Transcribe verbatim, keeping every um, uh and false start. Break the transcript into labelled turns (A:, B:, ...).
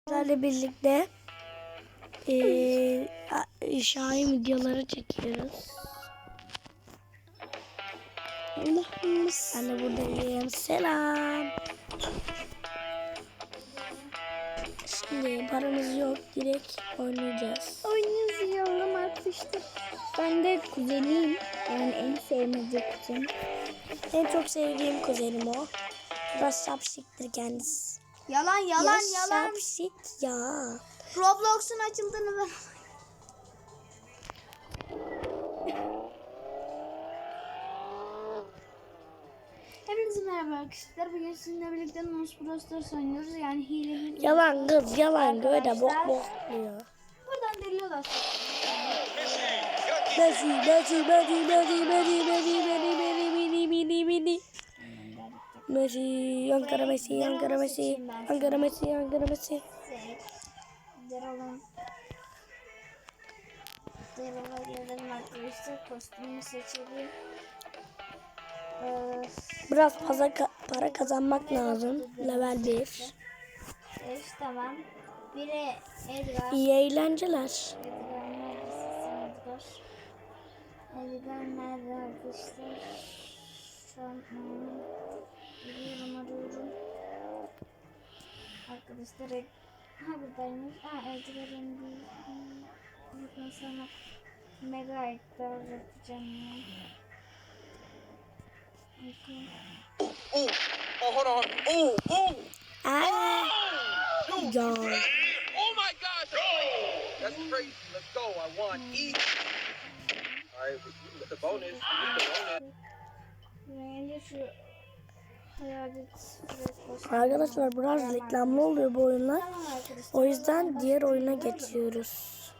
A: Sizlerle birlikte e, Şahin videoları çekiyoruz. Allah'ımız. Ben de buradayım. Selam. Şimdi paramız yok. Direkt oynayacağız.
B: Oynayalım artık işte. Ben de kuzeniyim. Yani en sevmediğim kuzenim.
A: En çok sevdiğim kuzenim o. Biraz şapşiktir kendisi.
B: Yalan yalan
A: ya
B: yalan.
A: Şapşik ya.
B: Roblox'un açıldığını ben... Hepinize merhaba arkadaşlar. Bugün sizinle birlikte Nus Brawl Stars oynuyoruz. Yani hile hile.
A: Yalan kız yalan. Böyle bok
B: Arkadaşlar.
A: bok diyor.
B: Buradan deliliyorlar.
A: Messi, Messi, Messi, Messi, Messi, Messi, Messi, Messi, Messi, Messi. Messi, Ankara Messi, Ankara Messi, Ankara Messi, Ankara Messi.
B: Deralım. Deralım arkadaşlar. Kostümü seçelim. Ee,
A: Biraz fazla ka para kazanmak lazım. Level bir.
B: Evet, tamam. Biri Edgar.
A: İyi eğlenceler.
B: Edgar neredesin Edgar? Edgar nerede arkadaşlar? Şu an hmm, biliyorum arıyorum. Arkadaşlar Ed ha buradaymış. Ha Edgar'ın bir hmm, sonra Mega Edgar yapacağım ya. Okay.
C: Oh, oh, hold on. Oh, oh.
A: Aa, ya.
C: Oh my gosh. That's crazy. Let's go. I want E. All right, you get the bonus. You get the bonus.
B: Bence şu hayalet
A: Arkadaşlar biraz reklamlı oluyor bu oyunlar.
B: Tamam arkadaşlar.
A: O yüzden diğer oyuna geçiyoruz.